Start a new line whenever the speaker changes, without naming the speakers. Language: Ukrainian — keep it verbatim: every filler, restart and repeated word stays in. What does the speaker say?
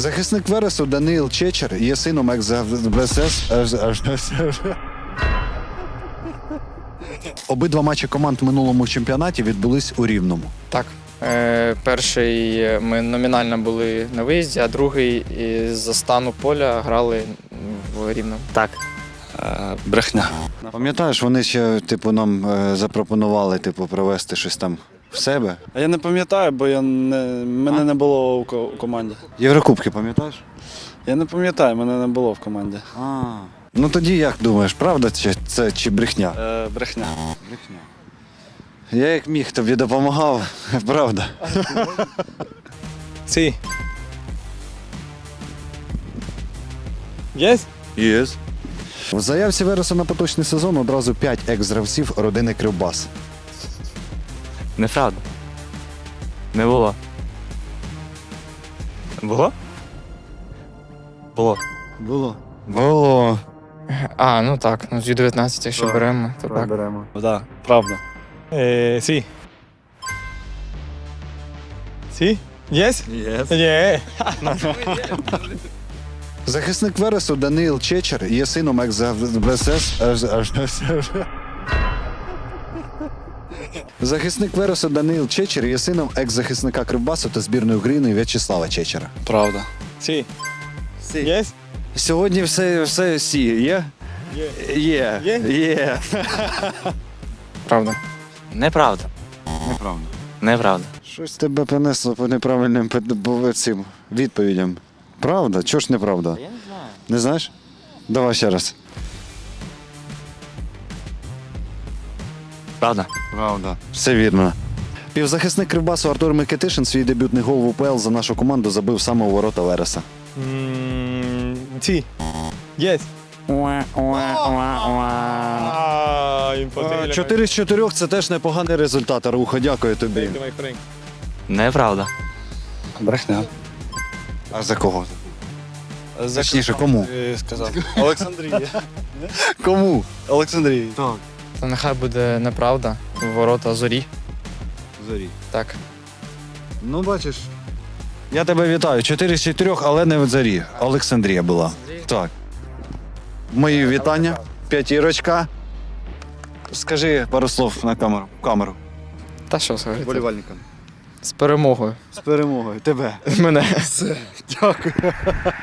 Захисник Вересу Даниїл Чечер є сином екс-БСС. Обидва матчі команд в минулому чемпіонаті відбулись у Рівному.
Так. Е, перший ми номінально були на виїзді, а другий із-за стану поля грали в Рівному.
Так.
Е, брехня.
Пам'ятаєш, вони ще типу нам е, запропонували типу провести щось там в себе.
А я не пам'ятаю, бо я не, мене не було у, ко- у команді.
Єврокубки, пам'ятаєш?
Я не пам'ятаю, мене не було в команді.
А. Ну тоді як думаєш, правда чи це чи брехня?
Е, брехня.
Брехня. Я як міг тобі допомагав, правда.
Sí. Yes?
Єс. В заявці Вереса на поточний сезон одразу п'ять екс-гравців родини Кривбас.
Неправда. Не було. Було? Було.
Було. Було.
А, ну так, ну з Ю дев'ятнадцять, якщо
Так.
беремо, то так.
Беремо.
Так, да, правда.
Eh, sí. ¿Sí? Yes?
Yes.
Yeah.
Захисник Вересу Даниїл Чечер є сином екс-БСС. Захисник Вересу Даниїл Чечер є сином екс-захисника Кривбасу та збірної України В'ячеслава Чечера.
Правда.
Sí. Yes?
Сьогодні все, все сі є?
Yeah.
Є.
Є?
Є.
Правда.
Неправда.
Неправда.
Неправда.
Щось тебе принесло по неправильним пед- по цим відповідям. Правда? Чого ж неправда?
Я не знаю.
Не знаєш? Давай ще раз.
Правда.
Правда. Все вірно. Півзахисник Кривбасу Артур Микитишин свій дебютний гол в УПЛ за нашу команду забив саме у ворота Вереса.
Mm, sí. Yes. Ah, imposible.
Чотири з чотирьох – це теж непоганий результат, Аруха. Дякую тобі.
Thank you, my friend.
Неправда.
Брехня.
А за кого? Точніше, кому?
Е, Сказав. Олександрія.
Кому?
Олександрія.
Так.
То нехай буде неправда. В ворота зорі.
Зорі.
Так.
Ну, бачиш. Я тебе вітаю. Чотири з чотирьох, але не в Зорі. Олександрія була. Так. Мої вітання. П'ятірочка. Скажи пару слов на камеру. камеру.
Та що сказати?
Болівальникам.
З перемогою.
З перемогою. Тебе.
Мене.
Дякую.